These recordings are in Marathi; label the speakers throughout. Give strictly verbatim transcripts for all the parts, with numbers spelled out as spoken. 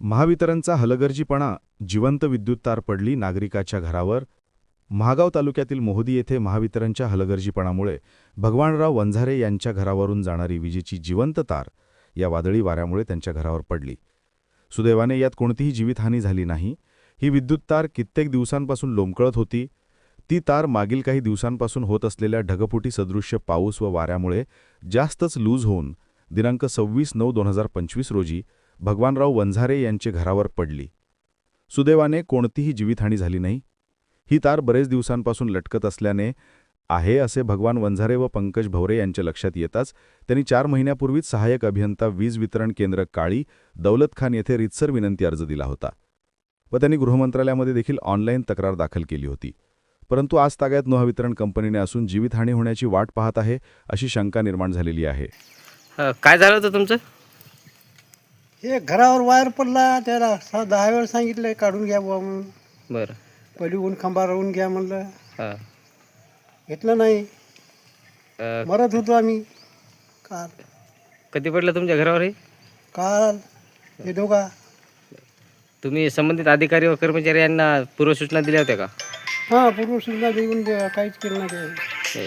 Speaker 1: महावितरणचा हलगर्जीपणा, जिवंत विद्युत तार पडली नागरिकाच्या घरावर. महागाव तालुक्यातील मोहदी येथे महावितरणच्या हलगर्जीपणामुळे भगवानराव वंझारे यांच्या घरावरून जाणारी विजेची जिवंत तार या वादळी वाऱ्यामुळे त्यांच्या घरावर पडली. सुदैवाने यात कोणतीही जीवितहानी झाली नाही. ही विद्युत तार कित्येक दिवसांपासून लोंबकळत होती. ती तार मागील काही दिवसांपासून होत असलेल्या ढगफुटी सदृश्य पाऊस व वाऱ्यामुळे जास्तच लूज होऊन दिनांक सव्वीस नऊ दोन हजार पंचवीस रोजी भगवानराव वंझारे यांचे घरावर पडली. सुदैवाने कोणतीही जीवितहानी झाली नाही. ही तार बरेच दिवसांपासून लटकत असल्याने आहे असे भगवान वंझारे व पंकज भवरे यांच्या लक्षात येताच त्यांनी चार महिन्यापूर्वीच सहाय्यक अभियंता वीज वितरण केंद्र काळी, दौलत खान येथे रीतसर विनंती अर्ज दिला होता व त्यांनी गृहमंत्रालयामध्ये देखील ऑनलाईन तक्रार दाखल केली होती. परंतु आज ताग्यात महावितरण कंपनीने असून जीवितहानी होण्याची वाट पाहत आहे अशी शंका निर्माण झालेली आहे.
Speaker 2: काय झालं होतं तुमचं?
Speaker 3: हे घरावर वायर पडला, त्याला सा दहा वेळ सांगितलं काढून घ्या बुवा म्हणून.
Speaker 2: बरं.
Speaker 3: पहिली ऊन खांबा राहून घ्या म्हणलं,
Speaker 2: हां.
Speaker 3: घेतलं नाही.
Speaker 2: अ,
Speaker 3: मरत होतो आम्ही. काल
Speaker 2: कधी पडलं तुमच्या घरावर हे?
Speaker 3: काल हे दोघा
Speaker 2: तुम्ही संबंधित अधिकारी व कर्मचारी यांना पूर्वसूचना दिल्या होत्या का?
Speaker 3: हां पूर्वसूचना देऊन दे- काहीच केलं नाही ते.
Speaker 2: हे.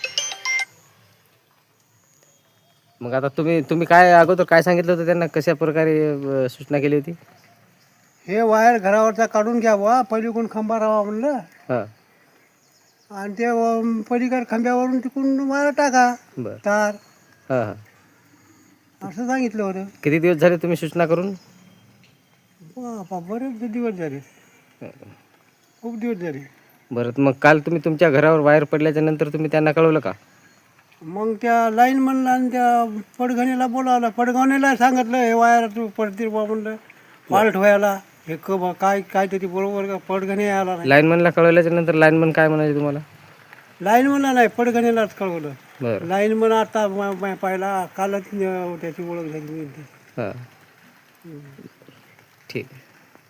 Speaker 2: मग आता तुम्ही तुम्ही काय अगोदर काय सांगितलं होतं त्यांना, कशा प्रकारे अ, सूचना केली होती?
Speaker 3: हे वायर घरावरचा काढून घ्या बुवा, पहिली कोण खांबा राहा म्हणलं,
Speaker 2: हां.
Speaker 3: आणि ते अं, पलीकडे खांब्यावरून तिकडून वायर टाका
Speaker 2: बरं.
Speaker 3: तार,
Speaker 2: हां हां.
Speaker 3: असं सांगितलं होतं.
Speaker 2: किती दिवस झाले तुम्ही सूचना करून?
Speaker 3: बापा बरेच दिवस झाले, खूप दिवस झाले.
Speaker 2: बरं. मग काल तुम्ही तुमच्या घरावर वायर पडल्याच्या नंतर तुम्ही त्यांना कळवलं का?
Speaker 3: मग त्या लाईन म्हणला आणि त्या पडघणीला बोलावलं, पडघणीला सांगितलं हे वायर तू पडतील बा म्हणलं, फॉल्ट व्हायला हे क बा काय काहीतरी बरोबर का पडघणी यायला नाही.
Speaker 2: लाईनमनला कळवल्याच्या नंतर लाईनमन काय म्हणाले तुम्हाला?
Speaker 3: लाईन म्हणला नाही, पडघणीलाच कळवलं.
Speaker 2: बरं.
Speaker 3: लाईन म्हण आता म- म- पाहिला कालच अं, त्याची ओळख झाली.
Speaker 2: हां. ठीक आहे.